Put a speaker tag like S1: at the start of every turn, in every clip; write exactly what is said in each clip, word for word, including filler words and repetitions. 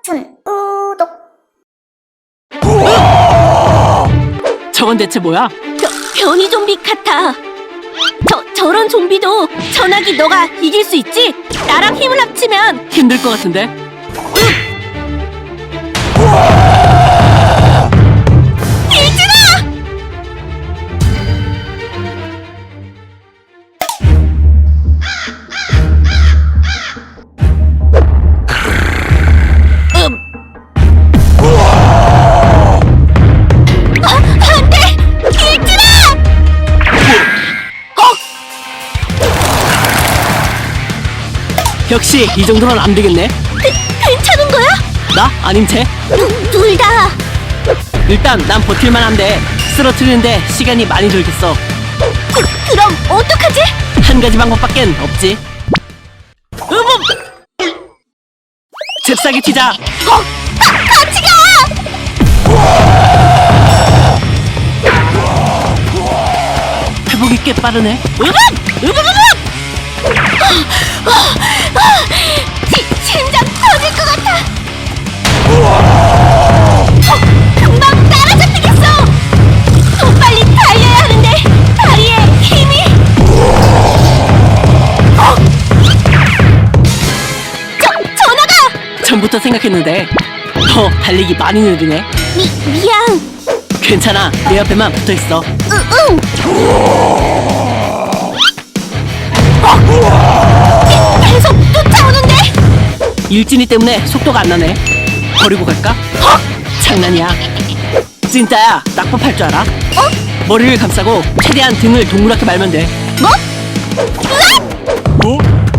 S1: 춘 우독.
S2: 저건 대체 뭐야?
S3: 벼, 변이 좀비 같아. 저, 저런 좀비도 전화기 너가 이길 수 있지? 나랑 힘을 합치면.
S2: 힘들 것 같은데?
S3: 일진아! 음. 어, 안 돼! 일진아! 어?
S2: 역시 이 정도는 안 되겠네.
S3: 괜찮은 거야?
S2: 나? 아님 쟤?
S3: 둘 다.
S2: 일단 난 버틸만 한데 쓰러뜨리는데 시간이 많이 들겠어.
S3: 그, 그럼 어떡하지?
S2: 한 가지 방법밖엔 없지. 으음! 잽싸게 튀자.
S3: 어? 가, 같이 가!
S2: 회복이 꽤 빠르네.
S3: 으음! 으음! 으음! 어, 어, 시, 심장 터질 것 같아. 어, 금방 따라잡히겠어. 더 빨리 달려야 하는데 다리에 힘이. 어? 저, 전화가.
S2: 전부터 생각했는데 더 달리기 많이 느리네.
S3: 미, 미안.
S2: 괜찮아. 내 옆에만 붙어있어.
S3: 으, 응. 어? 계- 계속 쫓아오는데?
S2: 일진이 때문에 속도가 안 나네. 버리고 갈까?
S3: 어?
S2: 장난이야. 진짜야. 낙법할 줄 알아?
S3: 어?
S2: 머리를 감싸고 최대한 등을 동그랗게 말면 돼.
S3: 뭐? 으악!
S2: 뭐?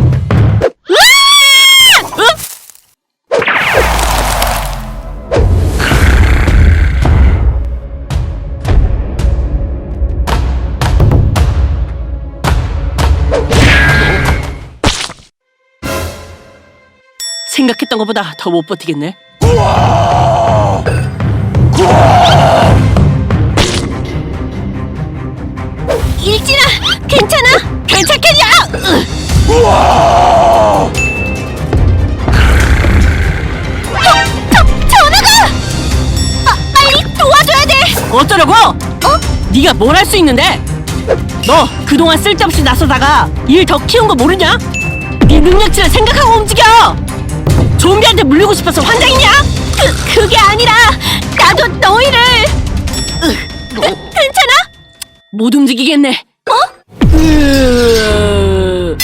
S2: 생각했던 것보다 더 못 버티겠네.
S3: 일진아, 괜찮아? 괜찮겠냐? 으. 저, 저, 전화가! 아, 빨리 도와줘야 돼!
S2: 어쩌려고?
S3: 어?
S2: 네가 뭘 할 수 있는데? 너 그동안 쓸데없이 나서다가 일 더 키운 거 모르냐? 네 능력치를 생각하고 움직여! 좀비한테 물리고 싶어서 환장이냐?
S3: 그, 그게 아니라 나도 너희를. 으, 으, 괜찮아?
S2: 못 움직이겠네.
S3: 어?
S2: 으...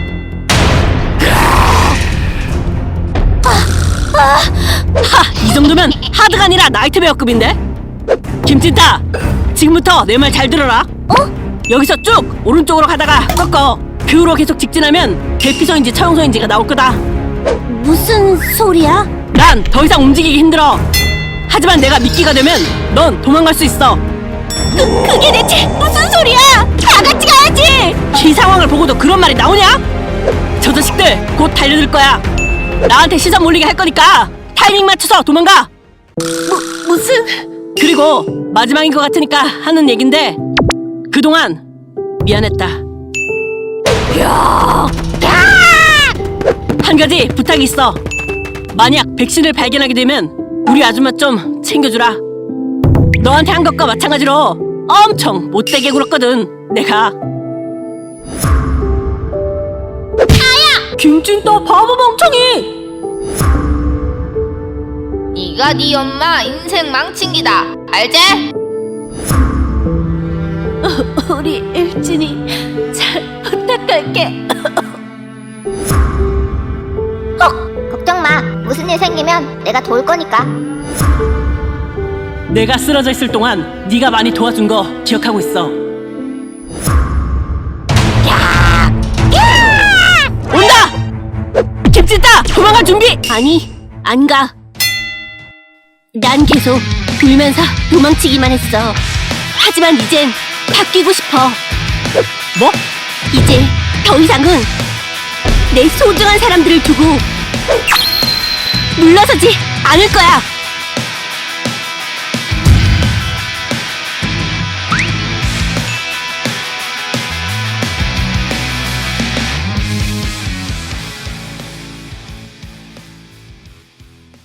S2: 하! 이 정도면 하드가 아니라 나이트베어급인데? 김찐따! 지금부터 내 말 잘 들어라.
S3: 어?
S2: 여기서 쭉 오른쪽으로 가다가 꺾어. 그 후로 계속 직진하면 대피소인지 처형소인지가 나올 거다.
S3: 무슨 소리야?
S2: 난 더 이상 움직이기 힘들어. 하지만 내가 미끼가 되면 넌 도망갈 수 있어.
S3: 그, 그게 대체 무슨 소리야? 다 같이 가야지!
S2: 이 상황을 보고도 그런 말이 나오냐? 저 자식들 곧 달려들 거야. 나한테 시선 몰리게 할 거니까 타이밍 맞춰서 도망가.
S3: 무, 무슨...
S2: 그리고 마지막인 것 같으니까 하는 얘긴데 그동안 미안했다.
S3: 야!
S2: 한 가지 부탁이 있어. 만약 백신을 발견하게 되면 우리 아줌마 좀 챙겨주라. 너한테 한 것과 마찬가지로 엄청 못되게 굴었거든 내가. 아야! 김찐따 바보 멍청이!
S4: 네가 네 엄마 인생 망친 기다. 알지?
S3: 우리 일진이 잘 부탁할게.
S1: 걱정 마. 무슨 일 생기면 내가 도울 거니까.
S2: 내가 쓰러져 있을 동안 네가 많이 도와준 거 기억하고 있어. 온다! 김찐따 도망갈 준비!
S3: 아니, 안 가. 난 계속 울면서 도망치기만 했어. 하지만 이젠 바뀌고 싶어.
S2: 뭐?
S3: 이제 더 이상은 내 소중한 사람들을 두고 물러서지 않을 거야.